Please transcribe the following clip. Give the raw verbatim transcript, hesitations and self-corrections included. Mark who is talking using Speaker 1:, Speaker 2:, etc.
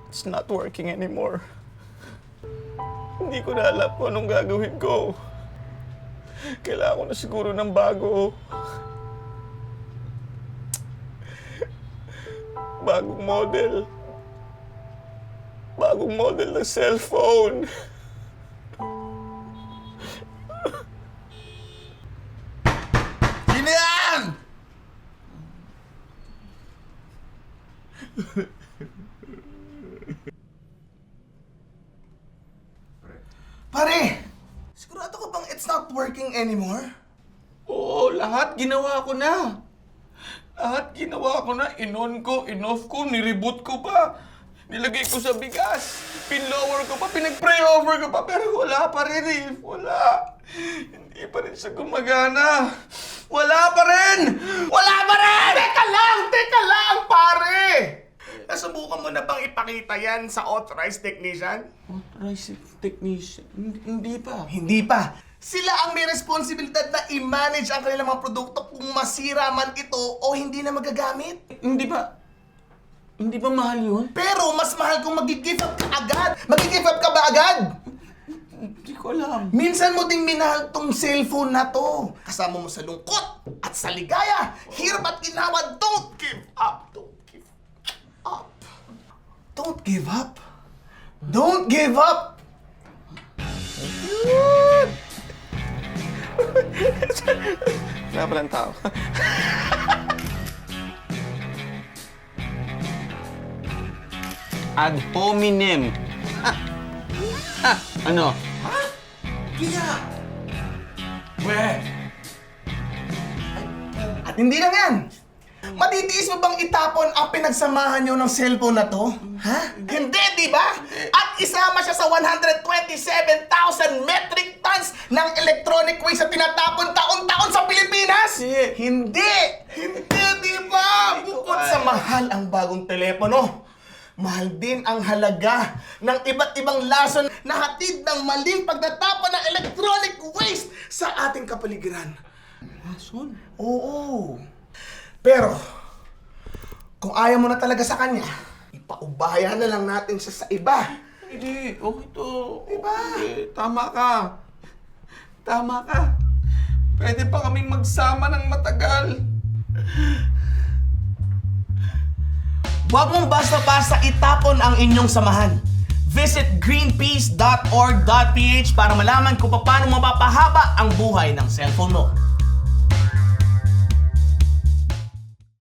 Speaker 1: It's not working anymore. Hindi ko na alam kung anong gagawin ko. Kailangan ko na siguro ng bago. Bagong model. Bagong model ng cellphone.
Speaker 2: Sino yan? Pare, sigurado ka bang it's not working anymore?
Speaker 1: Oo, lahat ginawa ko na. Lahat ginawa ko na. In-on ko, in-off ko, nireboot ko pa. Nilagay ko sa bigas. Pin-lower ko pa, pinag-pray-over ko pa. Pero wala pa rin eh. Wala. Hindi pa rin siya gumagana. Wala pa rin! Wala pa rin!
Speaker 2: Teka lang! Teka lang, pare! Nasubukan mo na bang ipakita yan sa authorized technician?
Speaker 1: Authorized technician? Hindi, hindi pa.
Speaker 2: Hindi pa. Sila ang may responsibilidad na i-manage ang kanilang mga produkto kung masira man ito o hindi na magagamit.
Speaker 1: Hindi ba? Hindi ba mahal yun?
Speaker 2: Pero mas mahal kung mag-give up ka agad. Mag-give up ka ba agad?
Speaker 1: Hindi ko alam.
Speaker 2: Minsan mo ding minahal tong cellphone na to. Kasama mo sa lungkot at sa ligaya. Hirap at ginawa. Don't give up. Don't give up. Don't give up. Don't give up.
Speaker 1: Wala palang tao. Ad hominem. Ha? Ha? Ano?
Speaker 2: Ha? Kaya. Weh. At hindi lang yan. Matitiis mo bang itapon ang pinagsamahan nyo ng cellphone na to? Ha? Hindi, di ba? At isama siya sa one hundred twenty-seven thousand metric tons ng electronic waste na tinatapon taon-taon sa Pilipinas?
Speaker 1: Hindi.
Speaker 2: Hindi! Hindi, di ba? Bukod sa mahal ang bagong telepono, mahal din ang halaga ng iba't ibang lason na hatid ng maling pagtatapon ng electronic waste sa ating kapaligiran.
Speaker 1: Lason?
Speaker 2: Oo. Pero, kung ayaw mo na talaga sa kanya, ipaubayan na lang natin siya sa iba.
Speaker 1: Hindi. Okay to.
Speaker 2: Diba?
Speaker 1: Hindi. Tama ka. Tama ka. Pwede pa kaming magsama ng matagal.
Speaker 2: Huwag mong basta-basta itapon ang inyong samahan. Visit greenpeace dot org dot p h para malaman kung paano mapapahaba ang buhay ng cellphone mo.